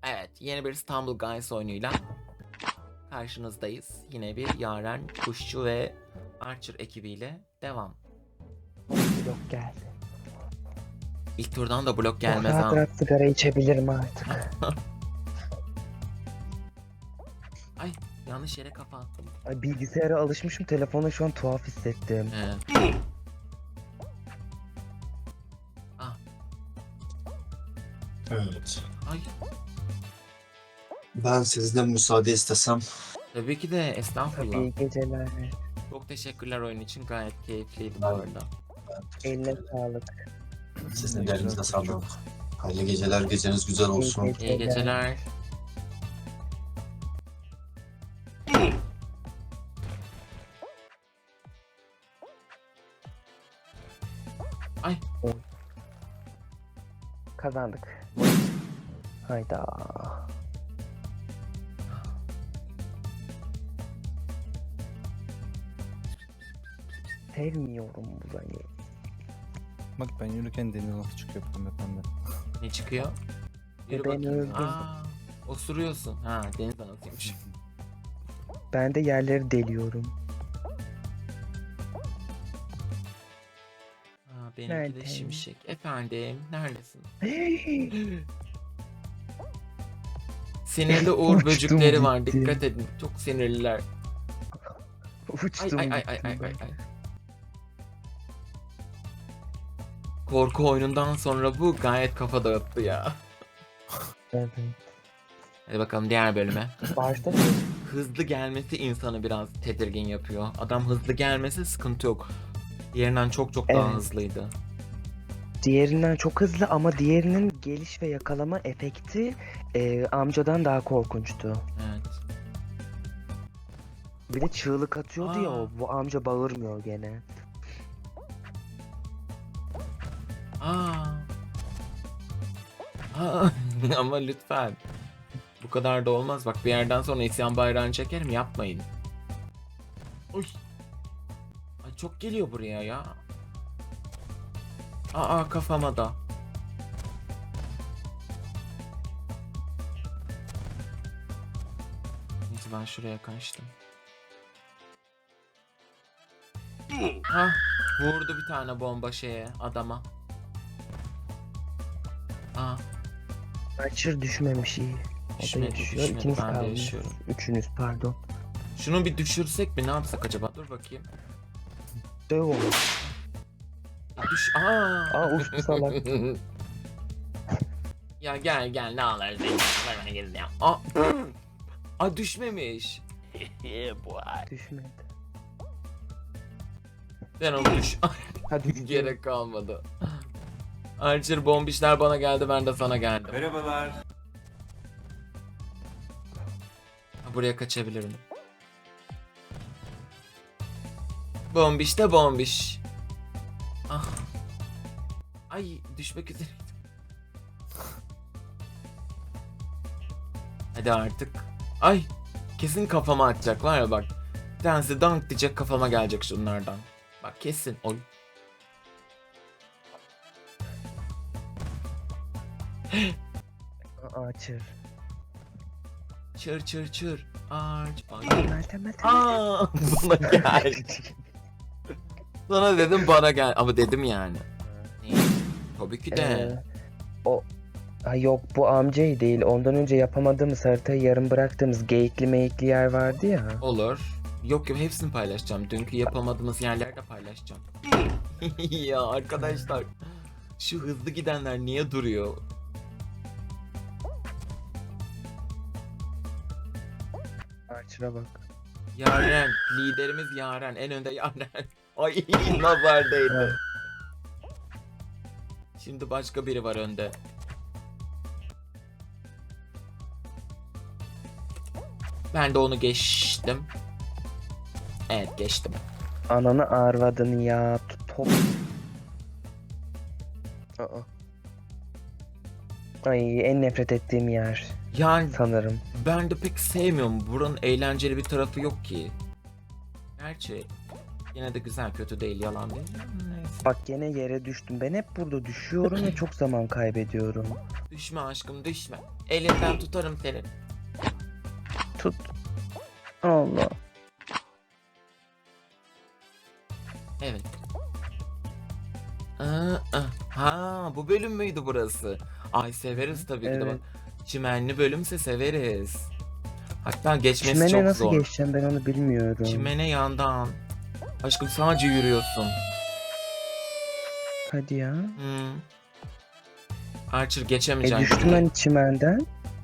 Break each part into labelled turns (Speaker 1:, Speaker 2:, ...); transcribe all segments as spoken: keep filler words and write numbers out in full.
Speaker 1: Evet, yeni bir İstanbul Guys oyunuyla karşınızdayız. Yine bir Yaren, Kuşçu ve Archer ekibiyle devam.
Speaker 2: Blok geldi.
Speaker 1: İlk turdan da blok
Speaker 2: Oh,
Speaker 1: gelmez
Speaker 2: rahat
Speaker 1: ha.
Speaker 2: rahat sigara içebilirim artık.
Speaker 1: Ay, yanlış yere kafa attım.
Speaker 2: Ay, bilgisayara alışmışım, telefona şu an tuhaf hissettim.
Speaker 1: Ee. Ah,
Speaker 3: Evet.
Speaker 1: ay,
Speaker 3: Ben sizden müsaade istesem.
Speaker 1: tabii ki de estağfurullah.
Speaker 2: Tabii, iyi geceler.
Speaker 1: Çok teşekkürler oyun için, gayet keyifliydi bu arada.
Speaker 2: Eline sağlık.
Speaker 3: Sizin de elinize sağlık. Hayırlı geceler, geceniz güzel olsun.
Speaker 2: İyi
Speaker 1: İyi geceler. Ay,
Speaker 2: Kazandık. Hayda. Sevmiyorum burayı.
Speaker 4: Bak ben yürürken deniz nasıl çıkıyor pembe pembe.
Speaker 1: ne çıkıyor? Yürü
Speaker 2: E, ben
Speaker 1: bakayım.
Speaker 2: öldüm.
Speaker 1: Aa, osuruyorsun. Ha, deniz anasıymış.
Speaker 2: Ben de yerleri deliyorum.
Speaker 1: Ha, benimki de
Speaker 2: Neredeyim?
Speaker 1: şimşek. Efendim, neredesin? Sinirli uğur
Speaker 2: Uçtum
Speaker 1: böcekleri var.
Speaker 2: gitti.
Speaker 1: Dikkat edin. Çok sinirliler. Ay
Speaker 2: Uçtum
Speaker 1: ay ay ay
Speaker 2: gittim
Speaker 1: ay ay.
Speaker 2: ben.
Speaker 1: ay. Korku oyunundan sonra bu gayet kafa dağıttı ya.
Speaker 2: Evet.
Speaker 1: Hadi bakalım diğer bölüme.
Speaker 2: Başta
Speaker 1: Hızlı gelmesi insanı biraz tedirgin yapıyor. Adam hızlı gelmesi sıkıntı yok. Diğerinden çok çok daha
Speaker 2: Evet.
Speaker 1: hızlıydı.
Speaker 2: diğerinden çok hızlı ama diğerinin geliş ve yakalama efekti e, amcadan daha korkunçtu.
Speaker 1: Evet.
Speaker 2: Bir de çığlık atıyordu ya
Speaker 1: Aa.
Speaker 2: o. Bu amca bağırmıyor gene.
Speaker 1: Aa. Aa. Ama lütfen. Bu kadar da olmaz. Bak bir yerden sonra isyan bayrağını çekerim. Yapmayın. Uy. Ay çok geliyor buraya ya. Aa kafama da. Neyse ben şuraya kaçtım. Hah, vurdu bir tane bomba şeye, adama. Aa,
Speaker 2: Archer düşmemiş iyi. O da
Speaker 1: düşmedi,
Speaker 2: yaşıyor.
Speaker 1: düşmedi.
Speaker 2: İkiniz
Speaker 1: Ben de
Speaker 2: kaldınız.
Speaker 1: yaşıyorum.
Speaker 2: Üçünüz pardon.
Speaker 1: Şunu bir düşürsek mi? Ne yapsak acaba? Dur bakayım.
Speaker 2: Döv onu.
Speaker 1: Ya düş. Aa.
Speaker 2: Aa, uçtu salak.
Speaker 1: Ya gel gel ne alır zengin. Ver bana geri ya. Aa. Aa düşmemiş.
Speaker 2: Düşmedi.
Speaker 1: Ben onu düş.
Speaker 2: Hadi
Speaker 1: Gerek kalmadı. Archer bombişler bana geldi, ben de sana geldim.
Speaker 3: Merhabalar.
Speaker 1: Ha, buraya kaçabilirim. Bombiş de bombiş. Ah. Ay düşmek üzereydim. Hadi artık. Ay kesin kafama atacak var ya bak. Bir tanesi dank diyecek, kafama gelecek şunlardan. Bak kesin. Oy.
Speaker 2: Archer.
Speaker 1: Çır çır çır. Arç. Ay.
Speaker 2: Meltem Meltem.
Speaker 1: Aa, bana gel. Sana dedim bana gel ama dedim yani. Tabii ki de.
Speaker 2: Ee, o ha, yok bu amcayı değil. Ondan önce yapamadığımız haritayı yarım bıraktığımız geyikli meyikli yer vardı ya.
Speaker 1: Olur. Yok yok hepsini paylaşacağım. Dünkü yapamadığımız yerlerde paylaşacağım. Ya arkadaşlar. Şu hızlı gidenler niye duruyor?
Speaker 2: Archer'a bak.
Speaker 1: Yaren. Liderimiz Yaren. En önde Yaren. Ay nazar değdi.
Speaker 2: Evet.
Speaker 1: Şimdi başka biri var önde. Ben de onu geçtim. Evet geçtim.
Speaker 2: Ananı arvadını ya. Top. Aa. Ay, en nefret ettiğim yer
Speaker 1: Yani
Speaker 2: sanırım.
Speaker 1: ben de pek sevmiyorum. Buranın eğlenceli bir tarafı yok ki. Gerçi yine de güzel, kötü değil, yalan değil. Neyse.
Speaker 2: Bak gene yere düştüm. Ben hep burada düşüyorum ve çok zaman kaybediyorum.
Speaker 1: Düşme aşkım düşme. Elinden tutarım seni.
Speaker 2: Tut. Allah.
Speaker 1: Evet. Aa, aa. Ha bu bölüm müydü burası? Ay severiz tabii ki de
Speaker 2: Evet.
Speaker 1: bak. Çimenli bölümse severiz. Hatta geçmesi
Speaker 2: Çimene
Speaker 1: çok
Speaker 2: nasıl
Speaker 1: zor.
Speaker 2: geçeceğim ben onu bilmiyorum.
Speaker 1: Çimene yandan. Aşkım sadece yürüyorsun.
Speaker 2: Hadi ya.
Speaker 1: Hmm. Archer
Speaker 2: E
Speaker 1: geçemeyeceksin.
Speaker 2: düştüm hani çimenden.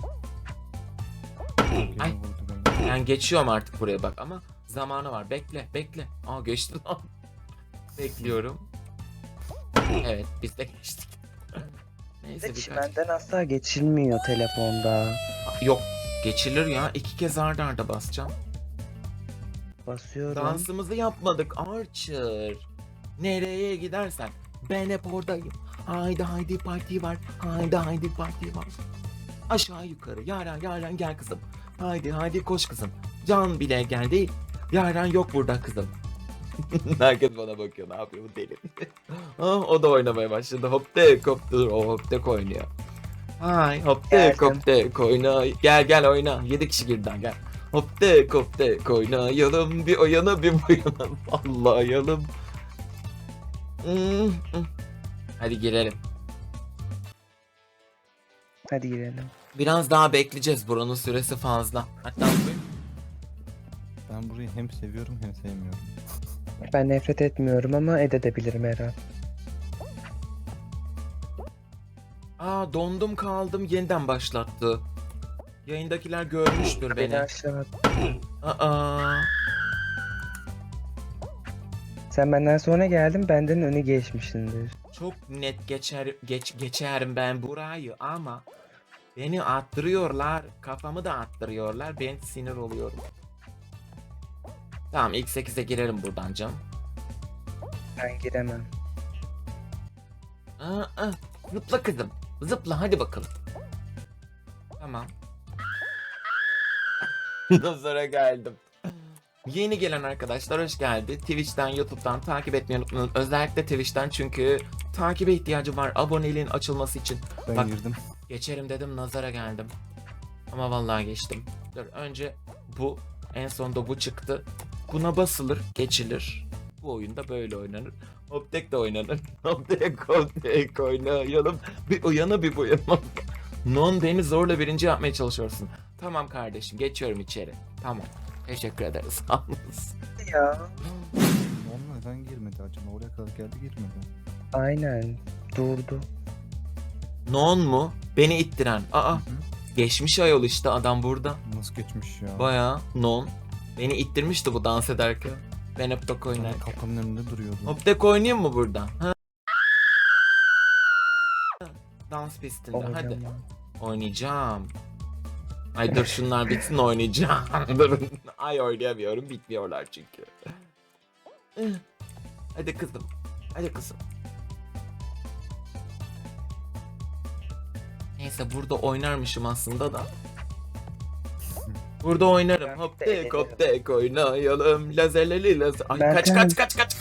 Speaker 4: Biri
Speaker 1: Ay.
Speaker 4: vurdu beni.
Speaker 1: Ben geçiyorum artık buraya bak ama zamanı var. Bekle bekle. Aa geçti lan. Bekliyorum. Evet biz de geçtik.
Speaker 2: Bir
Speaker 1: Neyse
Speaker 2: de
Speaker 1: birkaç.
Speaker 2: çimenden asla geçilmiyor telefonda.
Speaker 1: Yok geçilir ya. İki kez arda arda basacağım.
Speaker 2: Basıyorum.
Speaker 1: Dansımızı yapmadık Archer. Nereye gidersen ben hep oradayım. Haydi haydi parti var. Haydi haydi parti var. Aşağı yukarı. Yaren Yaren gel kızım. Haydi haydi koş kızım. Can bile geldi. Yaren yok burada kızım. Herkes bana bakıyor. Ne yapıyor bu deli? Ah, o da oynamaya başladı. Hop tek hop dur. O hop tek oynuyor. Hay hop tek
Speaker 2: Geldim.
Speaker 1: hop tek oyna. Gel gel oyna. Yedi kişi birden gel. Hop tek hop tek oynayalım. Bir o yana bir bu yana. Sallayalım. Hmm, hmm. Hadi girelim.
Speaker 2: Hadi girelim.
Speaker 1: Biraz daha bekleyeceğiz. Buranın süresi fazla. Hatta buyurun.
Speaker 4: Ben burayı hem seviyorum hem sevmiyorum.
Speaker 2: Ben nefret etmiyorum ama edebilirim her an.
Speaker 1: Aa dondum kaldım. Yeniden başlattı. Yayındakiler görmüştür
Speaker 2: Beni
Speaker 1: beni.
Speaker 2: aşağı at.
Speaker 1: Aa.
Speaker 2: Sen benden sonra geldin, benden önü geçmişsindir.
Speaker 1: Çok net geçer geç geçerim ben burayı ama beni attırıyorlar. Kafamı da attırıyorlar. Ben sinir oluyorum. Tamam ilk sekize girelim buradan canım.
Speaker 2: Ben giremem.
Speaker 1: Aa, aa, zıpla kızım. Zıpla hadi bakalım. Tamam. Sonra geldim. Yeni gelen arkadaşlar hoş geldi. Twitch'ten, YouTube'dan takip etmeyi unutmayın. Özellikle Twitch'ten çünkü takibe ihtiyacım var aboneliğin açılması için.
Speaker 4: Ben
Speaker 1: Bak-
Speaker 4: girdim.
Speaker 1: Geçerim dedim nazara geldim. Ama vallahi geçtim. Dur önce bu en sonda bu çıktı. Buna basılır geçilir. Bu oyunda böyle oynanır. Hoptek de oynanır. Hoptek hoptek oynayalım. Bir uyana bir bu yana. Non beni zorla birinci yapmaya çalışıyorsun. Tamam kardeşim geçiyorum içeri. Tamam. Teşekkür ederiz. Sağ olasın.
Speaker 2: Ya.
Speaker 4: Onunla neden girmedi acaba? Oraya kadar geldi girmedi.
Speaker 2: Aynen. Durdu.
Speaker 1: Non mu? Beni ittiren. Aa
Speaker 4: Hı hı.
Speaker 1: geçmiş ayol işte adam burada.
Speaker 4: Nasıl geçmiş ya?
Speaker 1: Bayağı non. Beni ittirmişti bu dans ederken. Ben hep tok
Speaker 4: Yani
Speaker 1: oynarken.
Speaker 4: kapının önünde duruyordu.
Speaker 1: Hop tek oynayayım mı burada? Ha? Dans pistinde hadi.
Speaker 2: Oynamam.
Speaker 1: Oynayacağım. Ay dur şunlar bitsin oynayacağım. Durun. Ay oynayamıyorum bitmiyorlar çünkü. Hadi kızım. Hadi kızım. Neyse burada oynarmışım aslında da. Burada oynarım.
Speaker 2: Ben
Speaker 1: Hop
Speaker 2: de
Speaker 1: tek
Speaker 2: eğlenirim.
Speaker 1: hop tek oynayalım. Lazerleli lazer. Ay
Speaker 2: Ben
Speaker 1: kaç
Speaker 2: de-
Speaker 1: kaç kaç kaç.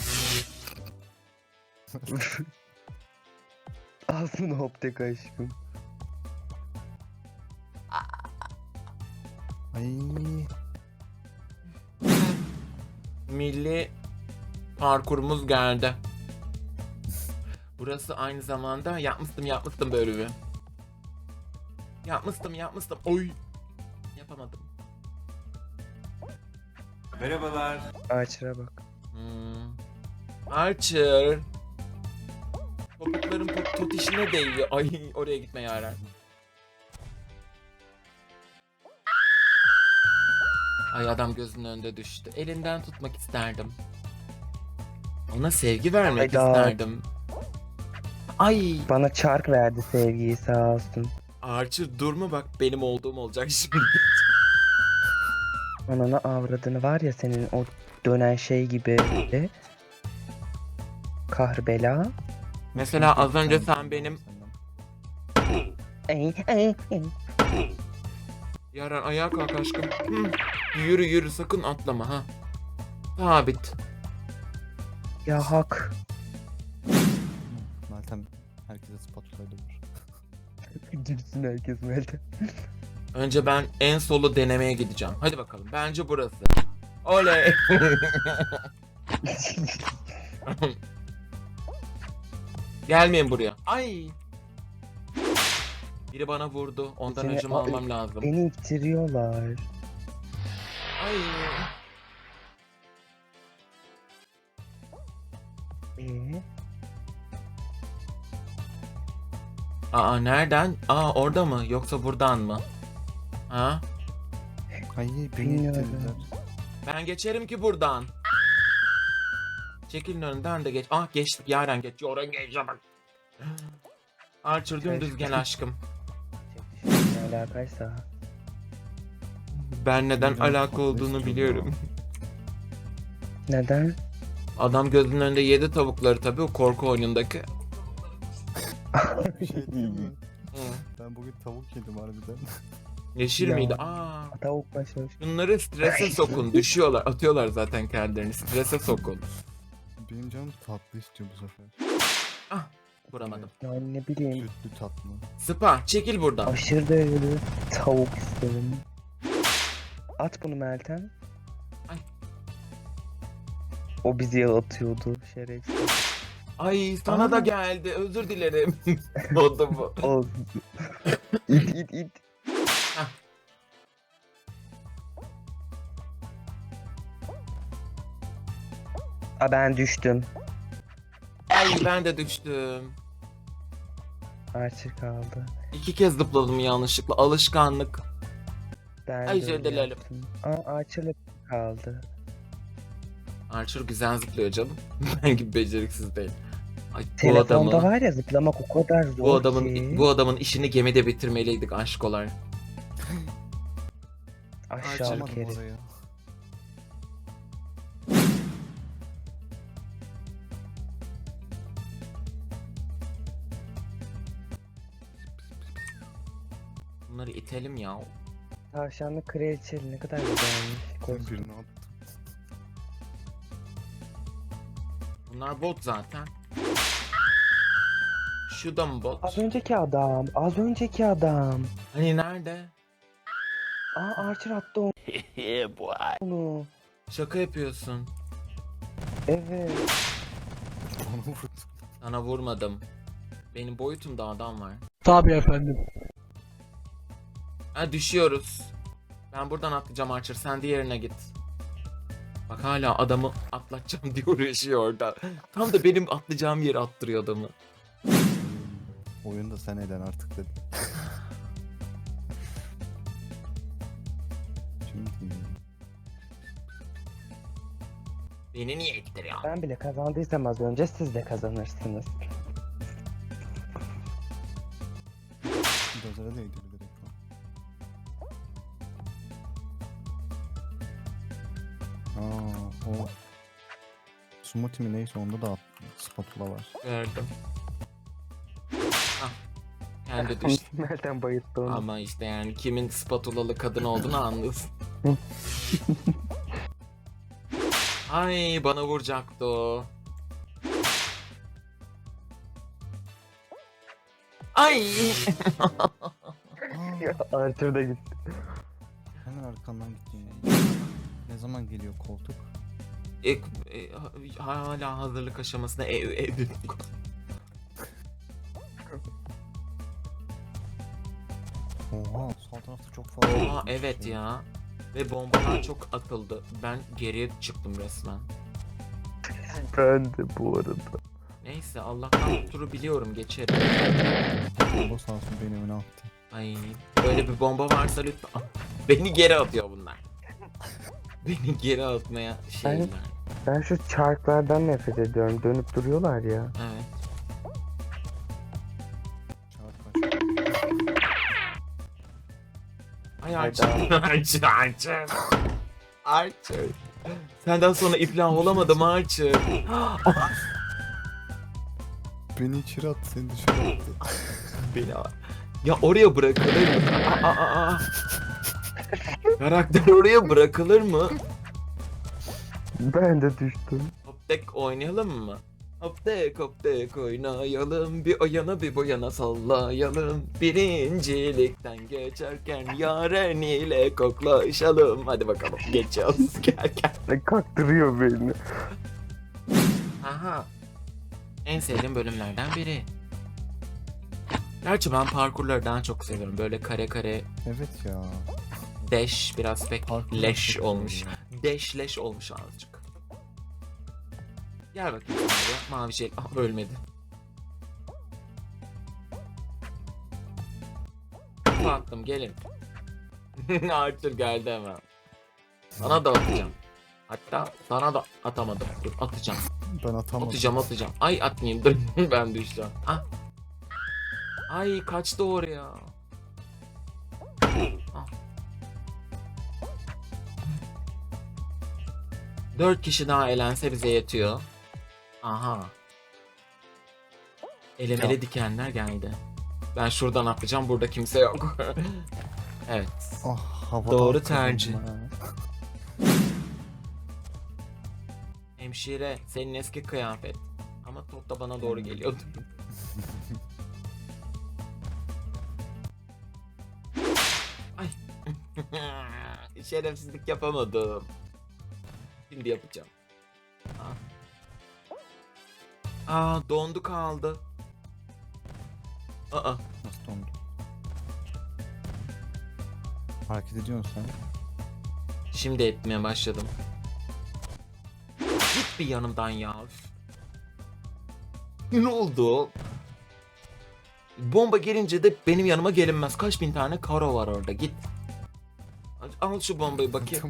Speaker 2: Alsın hoptek aşkım.
Speaker 4: Ay.
Speaker 1: Milli parkurumuz geldi. Burası aynı zamanda yapmıştım yapmıştım böyle bir. Yapmıştım yapmıştım. Oy. Yapamadım.
Speaker 3: Merhabalar.
Speaker 2: Ağaçlara bak.
Speaker 1: Hmm. Archer. Topukların pot, tot işine değiyor. Ay oraya gitme Yaren. Ay adam gözünün önünde düştü. Elinden tutmak isterdim. Ona sevgi vermek
Speaker 2: Hayda.
Speaker 1: isterdim. Ay
Speaker 2: Bana çark verdi sevgiyi sağ olsun.
Speaker 1: Archer durma bak benim olduğum olacak şimdi.
Speaker 2: Anana avradını var ya senin o dönen şey gibi. Kahrbela.
Speaker 1: Mesela az önce sen benim
Speaker 2: Ey, ey, ey.
Speaker 1: Yaren ayağa kalk aşkım. Hı. Yürü yürü sakın atlama ha. Sabit.
Speaker 2: Ya hak.
Speaker 4: Meltem herkese spatula vur.
Speaker 2: Gitsin herkes Meltem.
Speaker 1: Önce ben en solu denemeye gideceğim. Hadi bakalım. Bence burası. Oley. Gelmeyin buraya. Ay. Biri bana vurdu. Ondan
Speaker 2: Seni-
Speaker 1: öcümü
Speaker 2: Ay,
Speaker 1: almam lazım.
Speaker 2: Beni ittiriyorlar.
Speaker 1: Ay.
Speaker 2: Ee?
Speaker 1: Aa nereden? Aa orada mı? Yoksa buradan mı? Ha?
Speaker 4: Ay beni
Speaker 2: Bilmiyorum.
Speaker 4: ittirdiler.
Speaker 1: Ben geçerim ki buradan. Çekilin önünden de geç. Ah geçtik. Yaren geç. Yaren geç. Bak. Archer dümdüz gel aşkım.
Speaker 2: Ne alakaysa.
Speaker 1: Ben neden
Speaker 4: Neden
Speaker 1: alaka
Speaker 4: tatlı
Speaker 1: olduğunu
Speaker 4: istiyorum
Speaker 1: biliyorum.
Speaker 2: Neden?
Speaker 1: Adam gözünün önünde yedi tavukları tabii o korku oyunundaki.
Speaker 4: Bir şey değil mi?
Speaker 1: Hı.
Speaker 4: Ben bugün tavuk yedim harbiden.
Speaker 1: Yeşil
Speaker 2: Ya.
Speaker 1: miydi? Aa.
Speaker 2: Tavuk başlamış.
Speaker 1: Bunları strese sokun. Düşüyorlar. Atıyorlar zaten kendilerini. Strese sokun.
Speaker 4: Benim canım tatlı istiyor bu sefer.
Speaker 1: Ah. Vuramadım.
Speaker 2: Yani ne bileyim.
Speaker 4: Sütlü tatlı.
Speaker 1: Spa çekil buradan.
Speaker 2: Aşırı derecede tavuk isterim. At bunu Meltem.
Speaker 1: Ay.
Speaker 2: O bizi atıyordu şerefsiz.
Speaker 1: Ay sana
Speaker 2: Aa.
Speaker 1: da geldi. Özür dilerim. O da bu.
Speaker 2: O. it it it.
Speaker 1: Hah.
Speaker 2: Aa, ben düştüm.
Speaker 1: Ay ben de düştüm.
Speaker 2: Archer kaldı.
Speaker 1: İki kez zıpladım yanlışlıkla. Alışkanlık.
Speaker 2: Ben
Speaker 1: Ay,
Speaker 2: de
Speaker 1: özür
Speaker 2: öyle
Speaker 1: dilerim.
Speaker 2: yaptım. Aa, Archer'la kaldı.
Speaker 1: Archer güzel zıplıyor canım. Ben gibi beceriksiz değil. Ay bu
Speaker 2: Telefonda
Speaker 1: adamı.
Speaker 2: var ya zıplamak o kadar zor
Speaker 1: Bu adamın
Speaker 2: ki.
Speaker 1: bu adamın işini gemide bitirmeliydik aşkolar.
Speaker 2: Aşağı
Speaker 1: Archer-
Speaker 2: kere.
Speaker 4: oraya.
Speaker 1: Bunları itelim ya.
Speaker 2: Tavşanlı kraliçeli ne kadar güzelmiş.
Speaker 4: Ben
Speaker 2: Kostüm.
Speaker 4: birini attım.
Speaker 1: Bunlar bot zaten. Şu da mı bot?
Speaker 2: Az önceki adam. Az önceki adam.
Speaker 1: Hani nerede?
Speaker 2: Aa Archer attı onu.
Speaker 1: Şaka yapıyorsun.
Speaker 2: Evet.
Speaker 4: Onu vurdum.
Speaker 1: Sana vurmadım. Benim boyutumda adam var.
Speaker 5: Tabii efendim.
Speaker 1: Ha düşüyoruz. Ben buradan atlayacağım Archer. Sen diğerine git. Bak hala adamı atlatacağım diye uğraşıyor orada. Tam da benim atlayacağım yere attırıyor adamı.
Speaker 4: Oyunu da sen eden artık dedim. Şimdi
Speaker 1: Beni niye ittiriyor?
Speaker 2: Ben bile kazandıysam az önce siz de kazanırsınız.
Speaker 4: Dozera değdi bir direkt o. Aa, o Smoothie mi neyse onda da spatula var.
Speaker 1: Gördüm. Ah. Kendi düştü.
Speaker 2: Meltem bayılttı onu.
Speaker 1: Ama işte yani kimin spatulalı kadın olduğunu anlıyorsun. Ay bana vuracaktı o. Ay.
Speaker 4: Aa,
Speaker 2: Archer da gitti.
Speaker 4: hemen arkandan gittim. Ne zaman geliyor koltuk?
Speaker 1: E, e, hala hazırlık aşamasında ev ev.
Speaker 4: Oha sol tarafta çok fazla.
Speaker 1: Aa evet ya. Ve bombalar çok atıldı. Ben geriye çıktım resmen.
Speaker 2: Ben de bu arada.
Speaker 1: Neyse Allah'tan bu turu biliyorum geçerim.
Speaker 4: Bomba sağ olsun beni öne attı.
Speaker 1: Ay böyle bir bomba varsa lütfen. Ah, beni geri atıyor bunlar. Beni geri atmaya şeyler.
Speaker 2: Ben şu çarklardan nefret ediyorum. Dönüp duruyorlar ya.
Speaker 1: Evet.
Speaker 4: Çarp kaç.
Speaker 1: Ay Archer. Archer. Archer. Archer. Senden sonra iflah olamadım Archer.
Speaker 4: Beni içeri attı seni dışarı attı.
Speaker 1: Beni ya oraya bırakılır mı? Aa, aa, aa. Karakter oraya bırakılır mı?
Speaker 2: Ben de düştüm.
Speaker 1: Top deck oynayalım mı? Hop tek hop tek oynayalım. Bir o yana bir bu yana sallayalım. Birincilikten geçerken yaren ile koklaşalım. Hadi bakalım geçiyoruz. Gel gel.
Speaker 2: Ne kaktırıyor beni.
Speaker 1: Aha. En sevdiğim bölümlerden biri. Gerçi ben parkurları daha çok seviyorum. Böyle kare kare
Speaker 4: Evet ya.
Speaker 1: dash biraz pek
Speaker 4: Parkurlar
Speaker 1: leş
Speaker 4: çok
Speaker 1: olmuş.
Speaker 4: güzel
Speaker 1: Dash leş olmuş azıcık. Gel bakayım buraya. Mavi şey. Ah, ölmedi. Kafa attım gelin. Arthur geldi hemen. Sana da atacağım. Hatta sana da atamadım. Dur atacağım.
Speaker 4: Ben atamadım.
Speaker 1: Atacağım atacağım. Ay atmayayım dur. Ben düşeceğim. Ah. Ay kaçtı oraya. Ah. Dört kişi daha elense bize yetiyor. Aha. Elemeli
Speaker 4: Ya.
Speaker 1: dikenler geldi. Ben şuradan atlayacağım. Burada kimse yok. Evet.
Speaker 4: Ah, havada
Speaker 1: Doğru
Speaker 4: atladım
Speaker 1: tercih.
Speaker 4: ya.
Speaker 1: Hemşire senin eski kıyafet. Ama top da bana doğru geliyordu. Ay. Şerefsizlik yapamadım. Şimdi yapacağım. Aa. Aa dondu kaldı. Aa.
Speaker 4: Nasıl dondu? Hareket ediyorsun sen.
Speaker 1: Şimdi etmeye başladım. Git bir yanımdan ya. Üf. Ne oldu? Bomba gelince de benim yanıma gelinmez. Kaç bin tane karo var orada. Git. Al şu bombayı bakayım.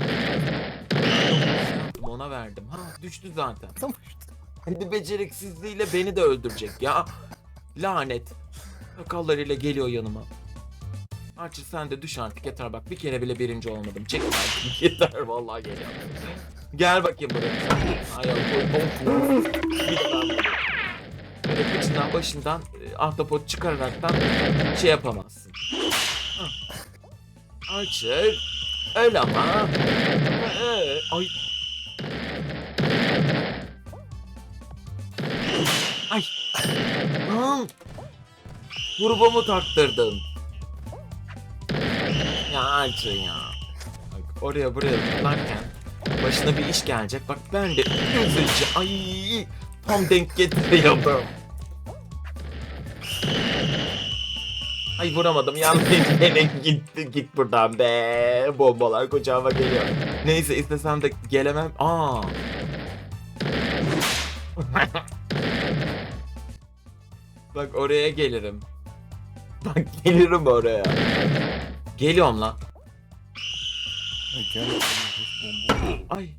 Speaker 1: Ona verdim. Ha düştü zaten. Hadi beceriksizliğiyle beni de öldürecek ya. Lanet. Sakallarıyla geliyor yanıma. Archie sen de düş artık yeter bak. Bir kere bile birinci olmadım. Çek artık. Yeter vallahi geliyor. Gel bakayım buraya sen. Ay ay koy. Bir de ben buradayım. Böyle kıçından başından e, ahtapot çıkararaktan şey yapamazsın. Hah. Archer. Öyle ama. Ee, ay. Ay. Lan. Turbomu taktırdın. Ya Archer ya. Bak oraya buraya zıplarken başına bir iş gelecek. Bak ben de üzücü. Ay. Tam denk getiriyordum. Ay vuramadım yanlış yere gitti git buradan be. Bombalar kucağıma geliyor. Neyse istesem de gelemem. Aa. Bak oraya gelirim. Bak gelirim oraya. Geliyorum lan.
Speaker 4: Ay, gel. Bomba.
Speaker 1: Ay.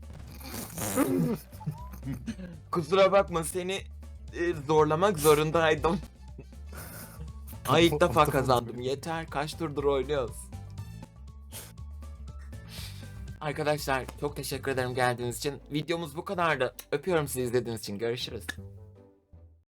Speaker 1: Kusura bakma seni e, zorlamak zorundaydım. Ay ilk defa kazandım. Yeter kaç turdur oynuyoruz. Arkadaşlar çok teşekkür ederim geldiğiniz için. Videomuz bu kadardı. Öpüyorum sizi izlediğiniz için. Görüşürüz.